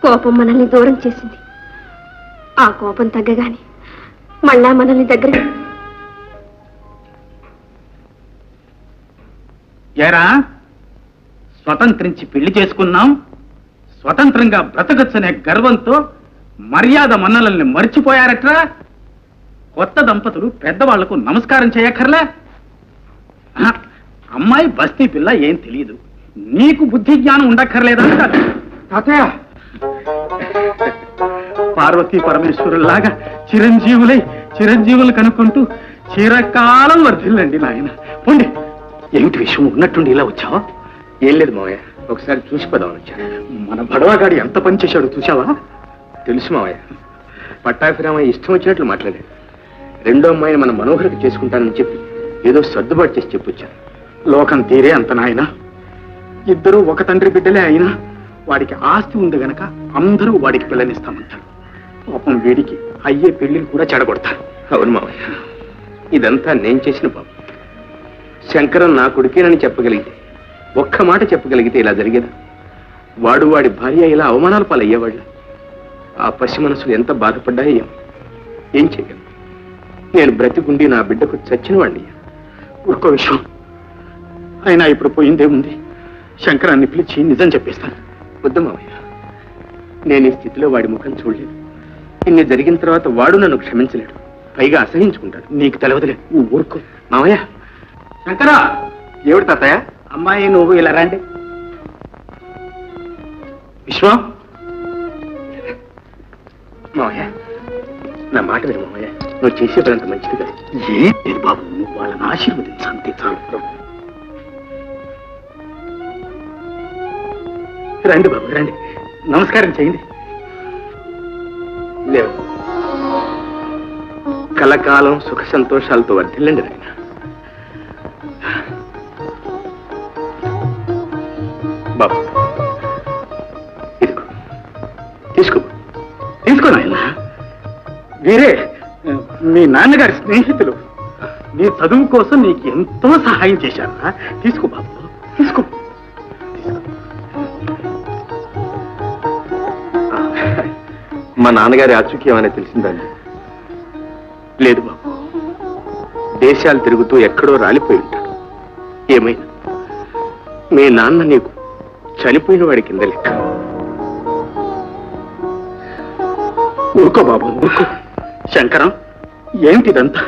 కోపం మనల్ని దూరం చేసింది. ఆ కోపం తగ్గగానే మళ్ళా మనల్ని దగ్గర. ఏరా, స్వతంత్రించి పెళ్లి చేసుకున్నాం, స్వతంత్రంగా బ్రతకచ్చనే గర్వంతో మర్యాద మన్నలల్ని మర్చిపోయారట్రా. కొత్త దంపతులు పెద్దవాళ్లకు నమస్కారం చేయక్కర్లే. అమ్మాయి బస్తీ పిల్ల ఏం తెలియదు, నీకు బుద్ధి జ్ఞానం ఉండక్కర్లేదా? తాతయ్య, పార్వతీ పరమేశ్వరుల్లాగా చిరంజీవులు కనుక్కుంటూ చిరకాలం వర్ధిల్లండి నాయన. పోండి. ఏమిటి విషయం ఉన్నట్టుండి ఇలా వచ్చావా? ఏం లేదు మావయ్య, ఒకసారి చూసిపోదామని వచ్చాను. మన బడవాగాడి ఎంత పని చేశాడు చూసావా? తెలుసు మావయ్య, పట్టాభిరామయ్య ఇష్టం వచ్చినట్లు మాట్లాడాడు. రెండో అమ్మాయిని మన మనోహరికి చేసుకుంటానని చెప్పి ఏదో సర్దుబాటు చేసి చెప్పొచ్చాను. లోకం తీరే అంత నాయన. ఇద్దరూ ఒక తండ్రి బిడ్డలే అయినా వాడికి ఆస్తి ఉంది గనక అందరూ వాడికి పిల్లనిస్తామంటారు. పాపం వీడికి అయ్యే పెళ్లిని కూడా చెడగొడతారు. అవును మావయ్య, ఇదంతా నేను చేసిన పాపం. శంకరం నా కొడుకేనని చెప్పగలిగితే, ఒక్క మాట చెప్పగలిగితే ఇలా జరిగేదా? వాడు వాడి భార్య ఇలా అవమానాల పాలయ్యేవాళ్ళ. ఆ పసి మనసులు ఎంత బాధపడ్డాయో. ఏం చేయగలను? నేను బ్రతికుండి నా బిడ్డకు చచ్చిన వాడిని. ఒక్క విషయం అయినా ఇప్పుడు పోయిందేముంది, శంకరాన్ని పిలిచి నిజం చెప్పేస్తాను. వద్దు మావయ్య, నేను ఈ స్థితిలో వాడి ముఖం చూడలేదు. ఇన్ని జరిగిన తర్వాత వాడు నన్ను క్షమించలేడు, పైగా అసహించుకుంటాడు. నీకు తెలవదులే, నువ్వు ఊరుకో. మావయ్య. శంకరా, ఏమిటి తాతయ్య? అమ్మాయి నువ్వు ఇలా రండి. విశ్వం, మావయ్య నా మాట విను మావయ్య, నువ్వు చేసేదంత మంచిది కదా. ఏం లేదు బాబు, నువ్వు వాళ్ళని ఆశీర్వదించు అంతే చాలు. రండి బాబు రండి, నమస్కారం చేయండి. లేవు, కలకాలం సుఖ సంతోషాలతో వర్ధిల్లండి నాయన. బాబు ఇదిగో, తీసుకో నాయన. వీరే మీ నాన్నగారి స్నేహితులు, నీ చదువు కోసం నీకు ఎంతో సహాయం చేశారా. తీసుకో బాబు, తీసుకో. మా నాన్నగారి ఆచూకీ ఏమైనా తెలిసిందండి? లేదు బాబు, దేశాలు తిరుగుతూ ఎక్కడో రాలిపోయి ఉంటాడు. ఏమైనా మీ నాన్న నీకు చనిపోయిన వాడి కింద లెక్క. ఊరుకో బాబు ఊరుకో. శంకరం, ఏమిటిదంతా?